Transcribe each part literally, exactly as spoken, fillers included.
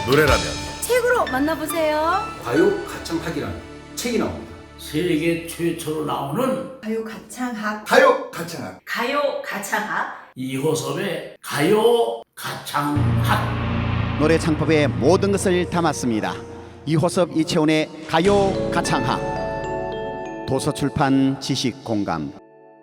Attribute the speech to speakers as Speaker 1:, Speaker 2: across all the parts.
Speaker 1: 노래라면
Speaker 2: 책으로 만나보세요.
Speaker 3: 가요 가창학이라는 책이 나옵니다.
Speaker 4: 세계 최초로 나오는
Speaker 2: 가요 가창학.
Speaker 3: 가요 가창학.
Speaker 2: 가요 가창학.
Speaker 4: 이호섭의 가요 가창학.
Speaker 5: 노래 창법의 모든 것을 담았습니다. 이호섭 이채훈의 가요 가창학. 도서출판 지식공감.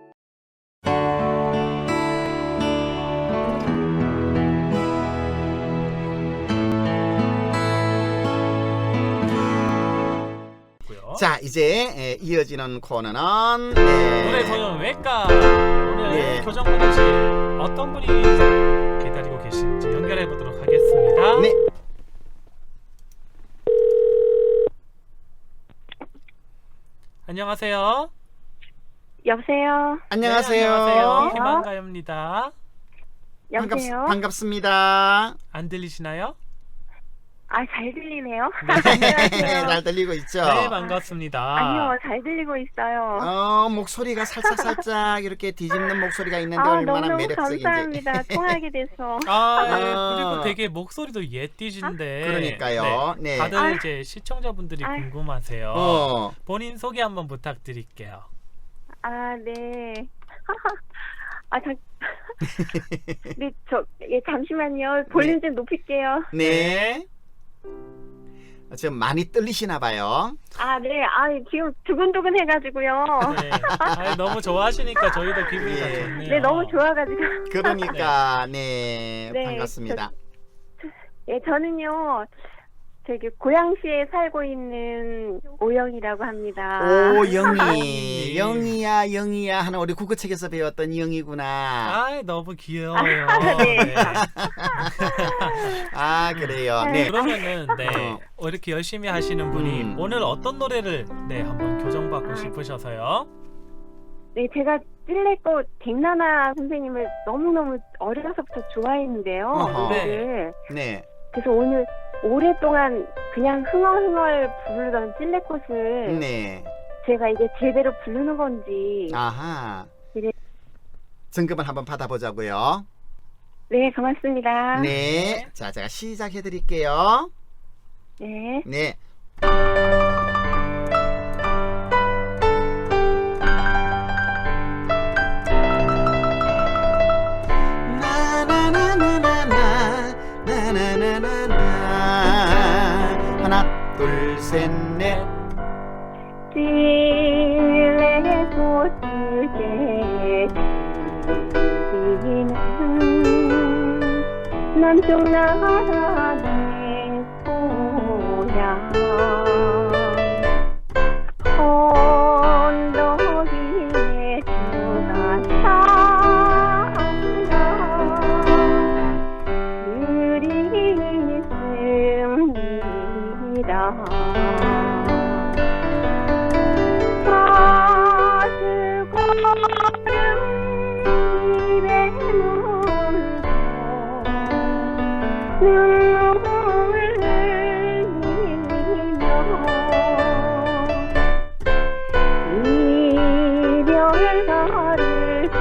Speaker 5: 자, 이제 에, 이어지는 코너는 네.
Speaker 6: 노래 소년 외과. 오늘
Speaker 5: 네.
Speaker 6: 교정분이실 어떤 분이 기다리고 계신지 연결해 보도록 하겠습니다.
Speaker 5: 네.
Speaker 6: 안녕하세요.
Speaker 7: 여보세요.
Speaker 5: 안녕하세요.
Speaker 6: 네, 안녕하세요. 희망가요입니다.
Speaker 7: 여보세요.
Speaker 5: 반갑, 습니다
Speaker 6: 안 들리시나요?
Speaker 7: 아, 잘 들리네요.
Speaker 5: 네, 잘 들리고 있죠.
Speaker 6: 네, 반갑습니다.
Speaker 7: 아니요, 잘 들리고 있어요.
Speaker 5: 어, 목소리가 살짝 살짝 이렇게 뒤집는 목소리가 있는데
Speaker 7: 아,
Speaker 5: 얼마나
Speaker 7: 너무너무
Speaker 5: 매력적인지.
Speaker 7: 감사합니다. 통하게 돼서.
Speaker 6: 아, 예.
Speaker 5: 아.
Speaker 6: 그리고 되게 목소리도 예띠신데.
Speaker 5: 그러니까요. 네.
Speaker 6: 다들
Speaker 7: 아.
Speaker 6: 이제 시청자분들이
Speaker 7: 아.
Speaker 6: 궁금하세요.
Speaker 5: 어.
Speaker 6: 본인 소개 한번 부탁드릴게요.
Speaker 7: 아, 네. 아, 잠. 네, 저, 예, 잠시만요. 볼륨 좀 높일게요.
Speaker 5: 네. 지금 많이 떨리시나 봐요.
Speaker 7: 아, 네. 아, 지금 두근두근 해가지고요.
Speaker 6: 네. 아이, 너무 좋아하시니까 저희도 기분이 다
Speaker 5: 예.
Speaker 6: 좋네요.
Speaker 7: 네, 너무 좋아가지고.
Speaker 5: 그러니까 네,
Speaker 7: 네,
Speaker 5: 반갑습니다.
Speaker 7: 예, 저는요, 저기 고양시에 살고 있는 오영이라고 합니다.
Speaker 5: 오, 영희.
Speaker 6: 영희.
Speaker 5: 영희야, 영희야 하는 우리 국어책에서 배웠던 영희구나.
Speaker 6: 아, 너무 귀여워요.
Speaker 7: 네.
Speaker 5: 아, 그래요.
Speaker 7: 네.
Speaker 5: 네.
Speaker 6: 그러면은 네
Speaker 5: 어.
Speaker 6: 이렇게 열심히 하시는 분이
Speaker 5: 음.
Speaker 6: 오늘 어떤 노래를 네 한번 교정받고 싶으셔서요.
Speaker 7: 네, 제가 찔레꽃 갱나나 선생님을 너무너무 어려서부터 좋아했는데요.
Speaker 5: 어허.
Speaker 7: 노래를.
Speaker 5: 네.
Speaker 7: 그래서 오늘 오랫동안 그냥 흥얼흥얼 부르던 찔레꽃을
Speaker 5: 네.
Speaker 7: 제가 이제 제대로 부르는 건지.
Speaker 5: 아하.
Speaker 7: 네.
Speaker 5: 점검을 한번 받아보자고요.
Speaker 7: 네, 고맙습니다.
Speaker 5: 네. 자, 제가 시작해 드릴게요.
Speaker 7: 네.
Speaker 5: 네. 나나나나나나 나나나나나 하나 둘 셋 넷
Speaker 7: 찔레꽃을 지는 남쪽 나라 내 고향 언덕 위에 수가 산다 느리 있습니다 가슴 고름 입에 묻어 눈물을 흘리며 이별가를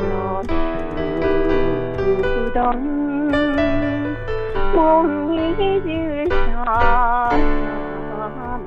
Speaker 7: 불러주던 못 잊을 사람아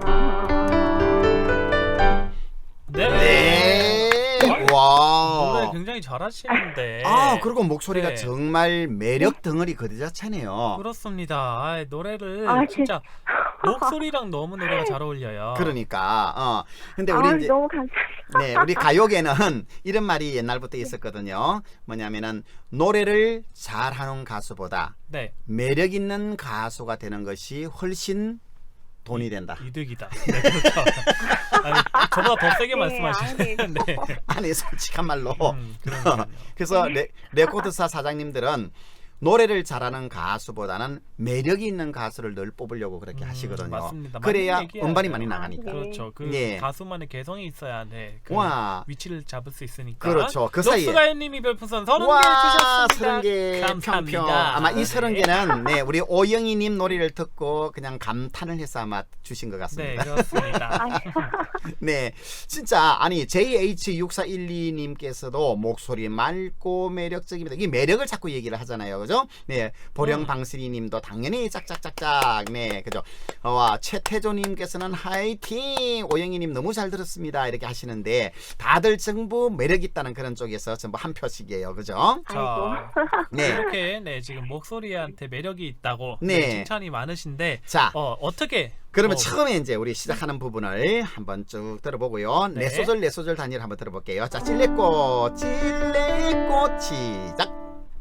Speaker 6: 네.
Speaker 5: 네.
Speaker 6: 노래
Speaker 5: 와.
Speaker 6: 굉장히 잘하시는데.
Speaker 5: 아, 그리고 목소리가
Speaker 6: 네.
Speaker 5: 정말 매력 덩어리 그자차네요.
Speaker 6: 그렇습니다. 아, 노래를
Speaker 7: 아,
Speaker 6: 진짜 목소리랑 너무 노래가 잘 어울려요.
Speaker 5: 그러니까 어. 근데
Speaker 7: 아,
Speaker 5: 우리 이제
Speaker 7: 너무 감사합니다.
Speaker 5: 네, 우리 가요계는 이런 말이 옛날부터 있었거든요. 뭐냐면은 노래를 잘하는 가수보다
Speaker 6: 네.
Speaker 5: 매력 있는 가수가 되는 것이 훨씬 돈이 된다.
Speaker 6: 이득이다. 네, 그렇죠. 아니, 저보다 더 세게
Speaker 7: 네,
Speaker 6: 말씀하시는데. 네.
Speaker 5: 아니 솔직한 말로.
Speaker 6: 음, 그러니까요.
Speaker 5: 그래서 레, 레코드사 사장님들은 노래를 잘하는 가수보다는 매력이 있는 가수를 늘 뽑으려고 그렇게
Speaker 6: 음,
Speaker 5: 하시거든요.
Speaker 6: 맞습니다.
Speaker 5: 그래야
Speaker 6: 맞는 얘기예요.
Speaker 5: 음반이 많이
Speaker 7: 아,
Speaker 5: 나가니까.
Speaker 7: 네.
Speaker 6: 그렇죠. 그
Speaker 5: 예.
Speaker 6: 가수만의 개성이 있어야 네, 그
Speaker 5: 와.
Speaker 6: 위치를 잡을 수 있으니까.
Speaker 5: 그렇죠. 그 사이에.
Speaker 6: 록스가요님이 별풍선 서른 개
Speaker 5: 와,
Speaker 6: 주셨습니다.
Speaker 5: 서른 개
Speaker 6: 감사합니다.
Speaker 5: 평평. 아마 이
Speaker 6: 네.
Speaker 5: 서른 개는 네, 우리 오영희님 노래를 듣고 그냥 감탄을 해서 아마 주신 것
Speaker 6: 네,
Speaker 5: 같습니다.
Speaker 6: 그렇습니다.
Speaker 5: 네, 진짜 아니 제이에이치 육사일이 님께서도 목소리 맑고 매력적입니다. 이 매력을 자꾸 얘기를 하잖아요, 그죠? 그죠? 네, 보령방스리님도 당연히 짝짝짝짝. 네, 그죠? 어, 와, 최태조님께서는 화이팅. 오영희님 너무 잘 들었습니다. 이렇게 하시는데 다들 전부 매력 있다는 그런 쪽에서 전부 한 표씩이에요, 그죠?
Speaker 6: 자,
Speaker 5: 네,
Speaker 6: 이렇게 네 지금 목소리한테 매력이 있다고
Speaker 5: 네.
Speaker 6: 네, 칭찬이 많으신데
Speaker 5: 자.
Speaker 6: 어, 어떻게
Speaker 5: 그러면
Speaker 6: 어,
Speaker 5: 처음에 이제 우리 시작하는 부분을 한번 쭉 들어보고요.
Speaker 6: 네.
Speaker 5: 네 소절 네 소절 단위를 한번 들어볼게요. 자, 찔레꽃 찔레꽃 시작.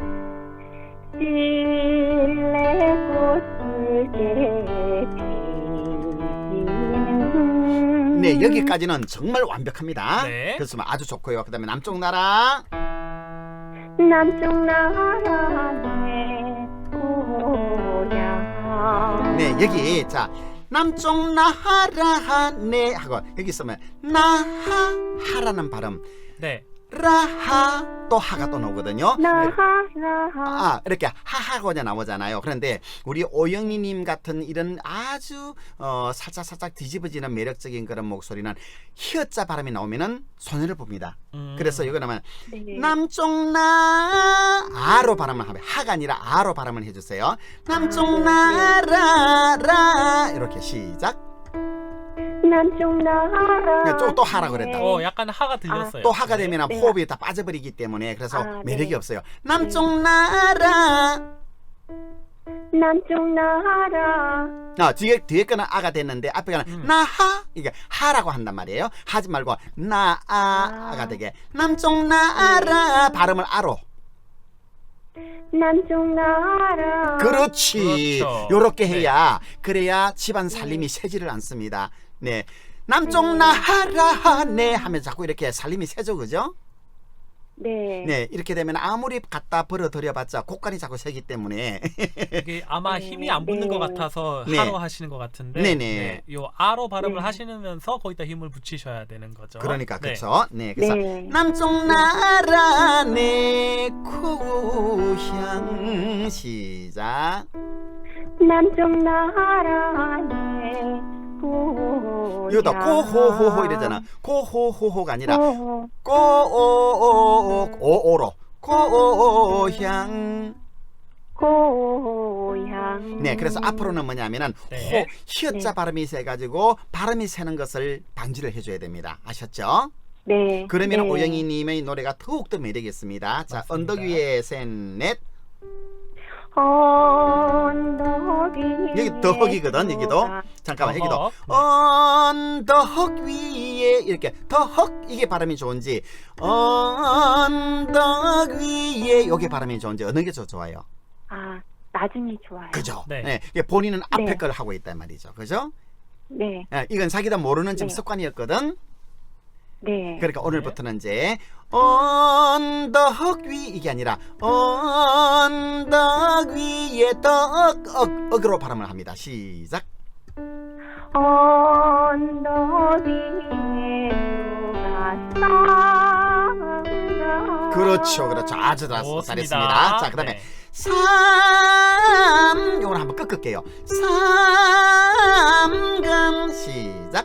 Speaker 7: 찔레꽃을 피는
Speaker 5: 네, 여기까지는 정말 완벽합니다.
Speaker 6: 네.
Speaker 5: 그래서 아주 좋고요. 그다음에 남쪽 나라.
Speaker 7: 남쪽 나라 내 고향
Speaker 5: 네, 여기 자 남쪽 나라 네 하고 여기 있으면 나하 하라는 발음.
Speaker 6: 네.
Speaker 5: 라하 또 하가 또 나오거든요.
Speaker 7: 나라
Speaker 5: 아, 이렇게 하하고자 나오잖아요. 그런데 우리 오영희님 같은 이런 아주 어, 살짝 살짝 뒤집어지는 매력적인 그런 목소리는 히읗자 발음이 나오면은 손해를 봅니다.
Speaker 6: 음.
Speaker 5: 그래서 이거 나면
Speaker 7: 네.
Speaker 5: 남쪽 나 아로 발음을 하면 하가 아니라 아로 발음을 해주세요. 남쪽 나라라 이렇게 시작.
Speaker 7: 남쪽 나라
Speaker 5: 또, 또 하라 그랬다.
Speaker 6: 어, 약간 하가 들렸어요.
Speaker 5: 또 하가 되면
Speaker 7: 네.
Speaker 5: 호흡이 다 빠져버리기 때문에 그래서
Speaker 7: 아,
Speaker 5: 매력이
Speaker 7: 네.
Speaker 5: 없어요. 남쪽 나라.
Speaker 7: 남쪽 나라
Speaker 5: 아, 뒤에 뒤에 거는 아가 됐는데 앞에 거는
Speaker 6: 음.
Speaker 5: 나하 이게 하라고 한단 말이에요. 하지 말고 나아가
Speaker 7: 아.
Speaker 5: 되게 남쪽 나라 발음을 아로.
Speaker 7: 남쪽 나라
Speaker 5: 그렇지.
Speaker 6: 그렇죠.
Speaker 5: 요렇게
Speaker 6: 네.
Speaker 5: 해야 그래야 집안 살림이 새지를 않습니다. 네. 남쪽 나라 네 하면 자꾸 이렇게 살림이 새죠, 그죠?
Speaker 7: 네.
Speaker 5: 네, 이렇게 되면 아무리 갖다 벌어들여봤자 곡간이 자꾸 새기 때문에
Speaker 6: 이게 아마
Speaker 7: 네,
Speaker 6: 힘이 안 붙는
Speaker 7: 네.
Speaker 6: 것 같아서
Speaker 5: 네.
Speaker 6: 하로 하시는 것 같은데
Speaker 5: 네네.
Speaker 6: 요 아로 발음을
Speaker 7: 네.
Speaker 6: 하시면서 거기다 힘을 붙이셔야 되는 거죠.
Speaker 5: 그러니까
Speaker 6: 네.
Speaker 5: 그렇죠. 네, 그래서
Speaker 7: 네.
Speaker 5: 남쪽 나라 내 고향 시작.
Speaker 7: 남쪽 나라 내 고향
Speaker 5: 이거다 고호호호 이러잖아. 고호호호가 아니라
Speaker 7: 고
Speaker 5: 고오오로 고향.
Speaker 7: 고향
Speaker 5: 네, 그래서 앞으로는 뭐냐면은
Speaker 6: 네.
Speaker 5: 호 히읗자
Speaker 7: 네.
Speaker 5: 발음이 세가지고 발음이 새는 것을 방지를 해줘야 됩니다. 아셨죠?
Speaker 7: 네.
Speaker 5: 그러면
Speaker 7: 네.
Speaker 5: 오영희님의 노래가 더욱더 매력이 있습니다. 자,
Speaker 6: 맞습니다.
Speaker 5: 언덕 위에 셋넷.
Speaker 7: 언덕 위에
Speaker 5: 여기 더헉이거든, 여기도.
Speaker 7: 누가
Speaker 5: 잠깐만, 여기도
Speaker 6: 더헉. 네.
Speaker 5: 언덕 위에 이렇게 더헉 이게 발음이 좋은지 언덕 위에 이게 발음이 좋은지 어느 게 더 좋아요?
Speaker 7: 아, 나중에 좋아요.
Speaker 5: 그죠?
Speaker 6: 네.
Speaker 5: 네. 이게 본인은 앞에
Speaker 7: 네.
Speaker 5: 걸 하고 있단 말이죠. 그죠?
Speaker 7: 네.
Speaker 5: 예, 이건 자기도 모르는 지금
Speaker 7: 네.
Speaker 5: 습관이었거든.
Speaker 7: 네.
Speaker 5: 그러니까 오늘부터는 이제 언덕 위 이게 아니라 언덕 위에 덕 억, 억으로 발음을 합니다. 시작.
Speaker 7: 언덕 위에 누가 싸운다.
Speaker 5: 그렇죠, 그렇죠. 아주 잘-
Speaker 6: 좋습니다.
Speaker 5: 잘했습니다. 자, 그다음에
Speaker 6: 네.
Speaker 5: 삼 요걸 한번 꺾을게요. 삼강 시작.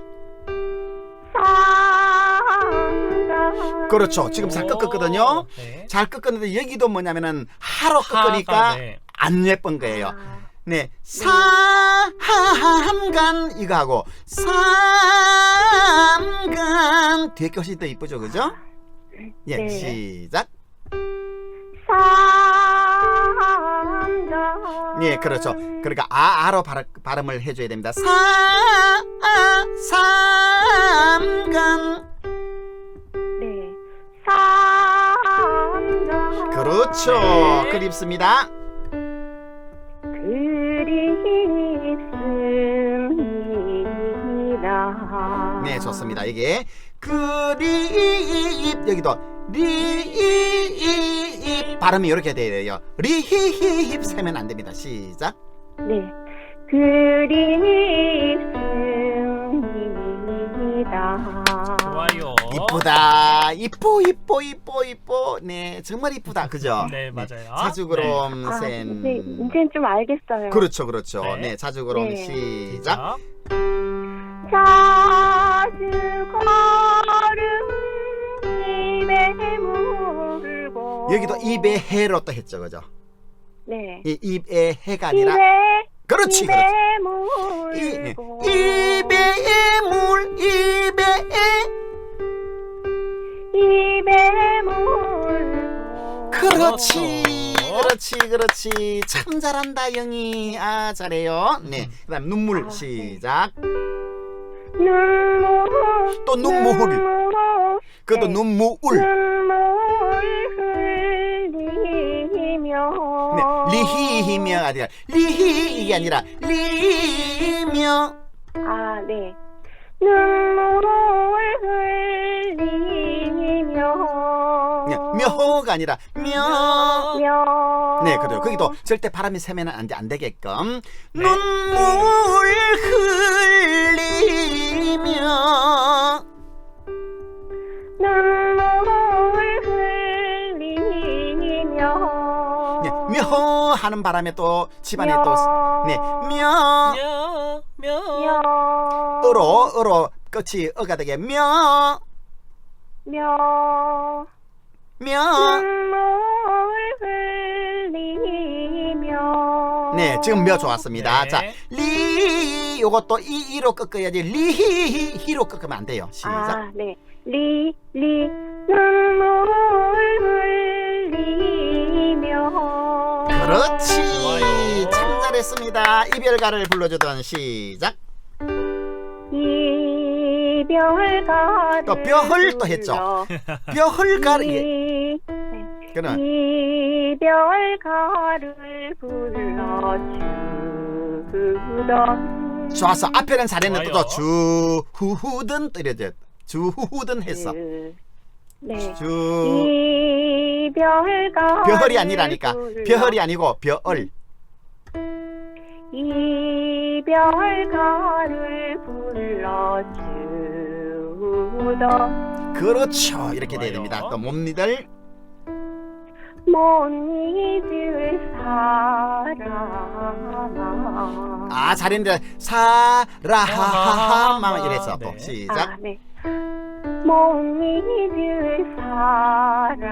Speaker 7: 삼강
Speaker 5: 그렇죠. 지금 잘 꺾었거든요.
Speaker 6: 네.
Speaker 5: 잘 꺾었는데 여기도 뭐냐면은 하로
Speaker 6: 하가,
Speaker 5: 꺾으니까
Speaker 6: 네.
Speaker 5: 안 예쁜 거예요.
Speaker 7: 아,
Speaker 5: 네, 삼간 이거 하고 삼간 뒤에 것이 더 이쁘죠, 그죠? 예,
Speaker 7: 네.
Speaker 5: 시작.
Speaker 7: 삼강
Speaker 5: 예, 그렇죠. 그러니까 아 아로 발음, 발음을 해줘야 됩니다. 사 삼간.
Speaker 7: 네. 삼강
Speaker 5: 그렇죠.
Speaker 6: 네.
Speaker 5: 그립습니다.
Speaker 7: 그립습니다.
Speaker 5: 네, 좋습니다. 이게 그립 여기도 리입 발음이 이렇게 돼요. 리힙 세면 안 됩니다. 시작.
Speaker 7: 네. 그립습니다.
Speaker 6: 좋아요.
Speaker 5: 이쁘다. 이뻐 이뻐 이뻐 이뻐. 네, 정말 이쁘다. 그죠?
Speaker 6: 네, 맞아요.
Speaker 5: 자주그럼
Speaker 7: 아,
Speaker 5: 센.
Speaker 7: 이제 이제는 좀 알겠어요.
Speaker 5: 그렇죠, 그렇죠.
Speaker 6: 네.
Speaker 5: 네, 자주그럼
Speaker 7: 네.
Speaker 5: 시작.
Speaker 6: 자,
Speaker 7: 자주 걸음 입에 물고
Speaker 5: 여기도 입에 해로 또 했죠, 그죠?
Speaker 7: 네.
Speaker 5: 이 입에 해가 아니라
Speaker 7: 입에
Speaker 5: 그렇지
Speaker 7: 입에
Speaker 5: 그렇지. 이,
Speaker 7: 물고
Speaker 5: 입에 물 입에
Speaker 7: 입에 물고
Speaker 5: 그렇지
Speaker 6: 그렇죠.
Speaker 5: 그렇지 그렇지 참 잘한다 영희. 아 잘해요. 네 그다음 눈물
Speaker 7: 아,
Speaker 5: 시작.
Speaker 7: 눈물
Speaker 5: 또 눈물.
Speaker 7: 눈물
Speaker 5: 그것도
Speaker 7: 네.
Speaker 5: 눈물.
Speaker 7: 눈물 흘리며
Speaker 5: 네, 리히히며 아니라 리히 이게 아니라 리며.
Speaker 7: 아, 네. 눈물 흘리며
Speaker 5: 네, 묘가 아니라 묘.
Speaker 7: 며
Speaker 5: 네, 그래요. 거기도 절대 바람이 세면 안, 돼, 안 되게끔
Speaker 6: 네.
Speaker 5: 눈물 흘리며.
Speaker 7: 눈물 흘리며
Speaker 5: 네, 묘 하는 바람에 또 집안에 또 네, 묘.
Speaker 6: 며, 며.
Speaker 7: 며
Speaker 5: 으로 으로 끝이 어가 되게 묘.
Speaker 7: 며
Speaker 5: 묘.
Speaker 7: 눈물 흘리며
Speaker 5: 네, 지금 묘 좋았습니다.
Speaker 6: 네.
Speaker 5: 자, 리 요것도 이 이로 꺾어야지 리히 히로 꺾으면 안 돼요. 시작.
Speaker 7: 아, 네. 리, 리, 눈물 흘리며
Speaker 5: 그렇지.
Speaker 6: 좋아요.
Speaker 5: 참 잘했습니다. 이별가를 불러주던 시작.
Speaker 7: 이별가를
Speaker 5: 또 뼈를 또 했죠. 뼈헐가를 예.
Speaker 7: 이,
Speaker 5: 그럼
Speaker 7: 이별가를 불러주던
Speaker 5: 좋았어. 앞에는 잘했는데
Speaker 6: 좋아요.
Speaker 5: 또 주후후든 또 이래죠. 주후후든 했어.
Speaker 7: 그, 네.
Speaker 5: 주
Speaker 7: 이별가
Speaker 5: 벼헐이 아니라니까. 벼헐이 아니고 벼얼.
Speaker 7: 이별가를 불러주던
Speaker 5: 그렇죠. 이렇게 돼야
Speaker 6: 좋아요.
Speaker 5: 됩니다. 또 몸니들
Speaker 7: 못 잊을 사람
Speaker 5: 아 잘했는데 사라하하마 이래서 또
Speaker 6: 네.
Speaker 5: 시작.
Speaker 7: 아, 네. 못 잊을 사람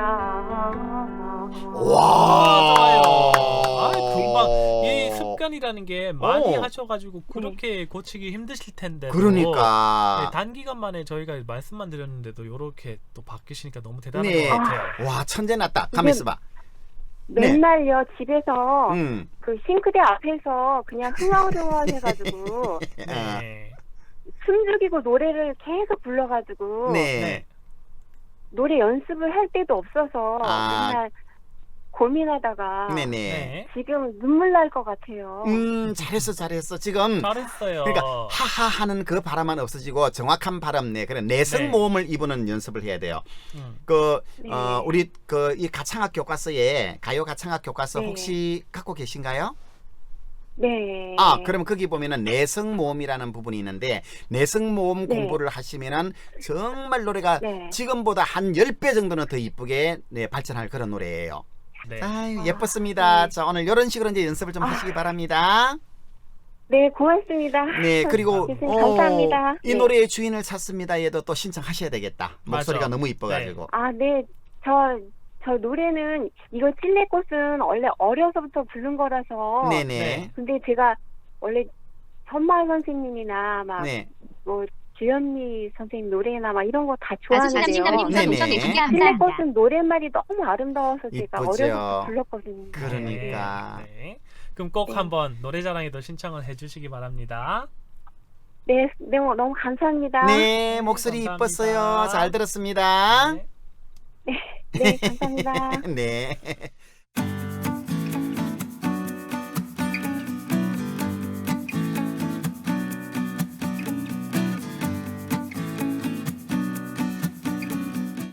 Speaker 5: 와.
Speaker 6: 좋아요. 아, 금방 이 습관이라는 게 많이
Speaker 5: 오.
Speaker 6: 하셔가지고 그렇게 고치기 힘드실 텐데.
Speaker 5: 그러니까
Speaker 6: 단기간 만에 저희가 말씀만 드렸는데도 이렇게 또 바뀌시니까 너무 대단한
Speaker 5: 네.
Speaker 6: 것 같아요.
Speaker 5: 와 천재 났다. 가만 있어봐.
Speaker 7: 맨날요 집에서
Speaker 5: 음.
Speaker 7: 그 싱크대 앞에서 그냥 흥얼흥얼해가지고
Speaker 6: 네.
Speaker 7: 숨 죽이고 노래를 계속 불러가지고
Speaker 5: 네.
Speaker 6: 네.
Speaker 7: 노래 연습을 할 때도 없어서
Speaker 5: 아.
Speaker 7: 맨날 고민하다가
Speaker 5: 네네.
Speaker 6: 네.
Speaker 7: 지금 눈물 날 것 같아요.
Speaker 5: 음 잘했어 잘했어 지금.
Speaker 6: 잘했어요.
Speaker 5: 그러니까 하하 하는 그 발음은 없어지고 정확한 발음 내 그런 내성
Speaker 6: 네.
Speaker 5: 모음을 입으는 연습을 해야 돼요.
Speaker 6: 음.
Speaker 5: 그
Speaker 7: 네.
Speaker 5: 어, 우리 그 이 가창학 교과서에 가요 가창학 교과서
Speaker 7: 네.
Speaker 5: 혹시 갖고 계신가요?
Speaker 7: 네.
Speaker 5: 아, 그러면 거기 보면은 내성 모음이라는 부분이 있는데 내성 모음
Speaker 7: 네.
Speaker 5: 공부를 하시면은 정말 노래가
Speaker 7: 네. 지금보다
Speaker 5: 지금보다 한 십 배 정도는 더 이쁘게 네, 발전할 그런 노래예요.
Speaker 6: 네.
Speaker 5: 아유, 예뻤습니다.
Speaker 7: 네.
Speaker 5: 자, 오늘 이런 식으로 이제 연습을 좀
Speaker 7: 아.
Speaker 5: 하시기 바랍니다.
Speaker 7: 네, 고맙습니다.
Speaker 5: 네, 그리고
Speaker 7: 교수님, 감사합니다.
Speaker 5: 이
Speaker 7: 네.
Speaker 5: 노래의 주인을 찾습니다. 얘도 또 신청하셔야 되겠다. 목소리가
Speaker 6: 맞아.
Speaker 5: 너무 이뻐가지고.
Speaker 7: 아, 네. 저, 저 노래는 이거 찔레꽃은 원래 어려서부터 부른 거라서.
Speaker 5: 네네.
Speaker 6: 네.
Speaker 7: 근데 제가 원래 선마 선생님이나 막 뭐
Speaker 5: 네.
Speaker 7: 주현미 선생님 노래나 막 이런 거 다
Speaker 1: 아주
Speaker 7: 좋아하는데요.
Speaker 1: 남진남님께서
Speaker 5: 네네.
Speaker 1: 동전 내주기 감사합니다.
Speaker 7: 찔레꽃은 노랫말이 너무 아름다워서 제가
Speaker 5: 이쁘죠.
Speaker 7: 어려서부터 불렀거든요.
Speaker 5: 그러니까.
Speaker 6: 네. 네. 그럼 꼭
Speaker 7: 네.
Speaker 6: 한번 노래자랑에도 신청을 해주시기 바랍니다.
Speaker 7: 네, 네, 너무 감사합니다.
Speaker 5: 네, 목소리
Speaker 6: 감사합니다.
Speaker 5: 이뻤어요. 잘 들었습니다.
Speaker 6: 네.
Speaker 7: 네, 감사합니다.
Speaker 5: 네.